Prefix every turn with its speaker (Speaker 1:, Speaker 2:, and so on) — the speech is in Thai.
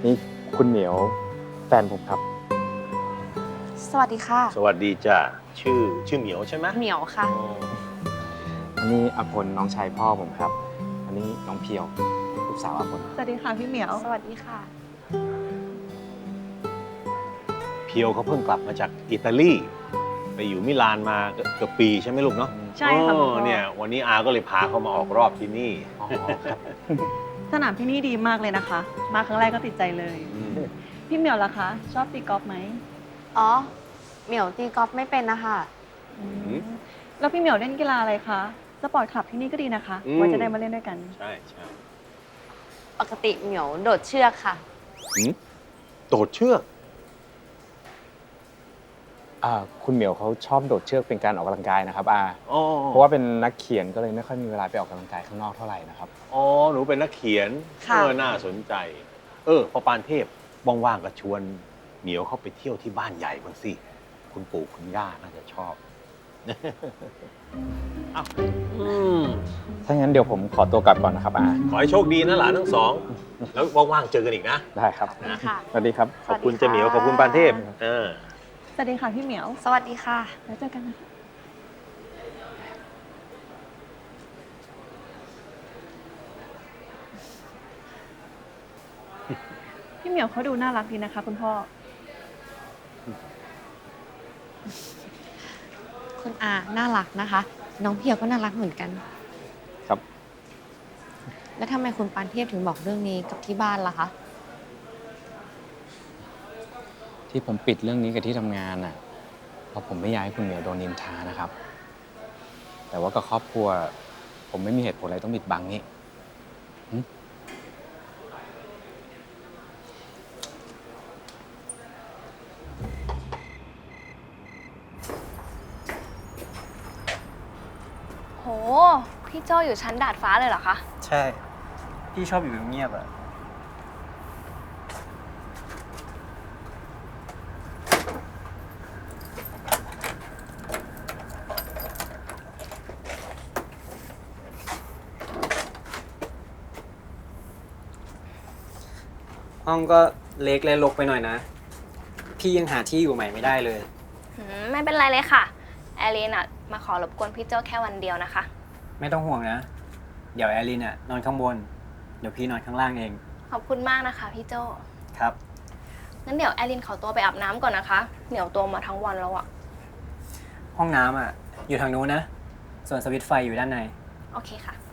Speaker 1: นี่คุณเหมียวแฟนผมครับ
Speaker 2: สวัสดีค่ะ
Speaker 3: สวัสดีจ้ะชื่อเหมียวใช่ไหม
Speaker 2: เหมียวค่ะ
Speaker 3: อ๋อ
Speaker 1: อันนี้อภลน้องชายพ่อผมครับ อันนี้น้องเพียวลูกสาวอภล
Speaker 4: สวัสดีค่ะพี่เหมียว
Speaker 2: สวัสดีค่ะ
Speaker 3: เพียวเขาเพิ่งกลับมาจากอิตาลี ไปอยู่มิลานมาเกือบปีใช่ไหมลูกเนาะ
Speaker 4: ใช่ค่ะคุณพ่อ
Speaker 3: เนี่ยวันนี้อาก็เลยพาเขามาออกรอบที่นี่
Speaker 1: อ๋อครับ
Speaker 4: สนามที่นี่ดีมากเลยนะคะ มาครั้งแรกก็ติดใจเลย
Speaker 3: อืม
Speaker 4: พี่เหมียวล่ะคะ ชอบตีกอล์ฟไหม
Speaker 2: อ๋อ เหมียวตีกอล์ฟไม่เป็นนะคะ
Speaker 4: แล้วพี่เหมียวเล่นกีฬาอะไรคะสปอร์ตคลับที่นี่ก็ดีนะคะไว้จะได้มาเล่นด้วยกัน
Speaker 3: ใช่ใช่
Speaker 2: ปกติเหมียวโดดเชือกค่ะ
Speaker 3: หืมโดดเชือก
Speaker 1: คุณเหมียวเขาชอบโดดเชือกเป็นการออกกำลังกายนะครับ
Speaker 3: อ๋อ
Speaker 1: เพราะว่าเป็นนักเขียนก็เลยไม่ค่อยมีเวลาไปออกกำลังกายข้างนอกเท่าไหร่นะครับ
Speaker 3: อ๋อหนูเป็นนักเขียน
Speaker 2: ค่ะ
Speaker 3: น่าสนใจ พอปานเทพว่างๆก็ชวนเหมียวเข้าไปเที่ยวที่บ้านใหญ่บ้างสิ คุณปู่คุณย่าน่าจะชอบ อ้าวม
Speaker 1: ถ้างั้นเดี๋ยวผมขอตัวกลับก่อนนะครับ
Speaker 3: ขอให้โชคดีนะหลานทั้งสอง แล้วว่างๆเจอกันอีกนะ
Speaker 1: ได้ครับ
Speaker 2: ค่ะ
Speaker 1: สวัสดีครับ
Speaker 3: ขอบคุณเจเหมียว ขอบคุณปานเทพ
Speaker 4: สวัสดีค่ะพี่เหมียว
Speaker 2: สวัสดีค่ะ
Speaker 4: แล้วเจอกันนะคะ พี่เหมียวเขาดูน่ารักดีนะคะ คุณพ่อ
Speaker 2: คุณอาน่ารักนะคะ น้องเพียวก็น่ารักเหมือนกัน
Speaker 1: ครับ
Speaker 2: แล้วทำไมคุณปานเทพถึงบอกเรื่องนี้กับที่บ้านล่ะคะ
Speaker 1: ที่ผมปิดเรื่องนี้กับที่ทำงานน่ะเพราะผมไม่อยากให้คุณเหมียวโดนนินทานะครับ แต่ว่ากับครอบครัว ผมไม่มีเหตุผลอะไรต้องปิดบังนี่หึ
Speaker 5: โห พี่โจอยู่ชั้นดาดฟ้าเลยเหรอคะ
Speaker 6: ใช่ พี่ชอบอยู่เงียบๆอะห้องก็เล็กและรกไปหน่อยนะ พี่ยังหาที่อยู่ใหม่ไม่ได้เลย
Speaker 5: ไม่เป็นไรเลยค่ะ แอลลีนอะมาขอรบกวนพี่โจแค่วันเดียวนะคะ
Speaker 6: ไม่ต้องห่วงนะ เดี๋ยวแอลลินอะนอนข้างบน เดี๋ยวพี่นอนข้างล่างเอง
Speaker 5: ขอบคุณมากนะคะพี่โจ
Speaker 6: ครับ
Speaker 5: งั้นเดี๋ยวแอลลินขอตัวไปอาบน้ำก่อนนะคะเหนียวตัวมาทั้งวันแล้วอะ
Speaker 6: ห้องน้ำอะอยู่ทางนู้นนะ ส่วนสวิตช์ไฟอยู่ด้านใน
Speaker 5: โอเคค่ะ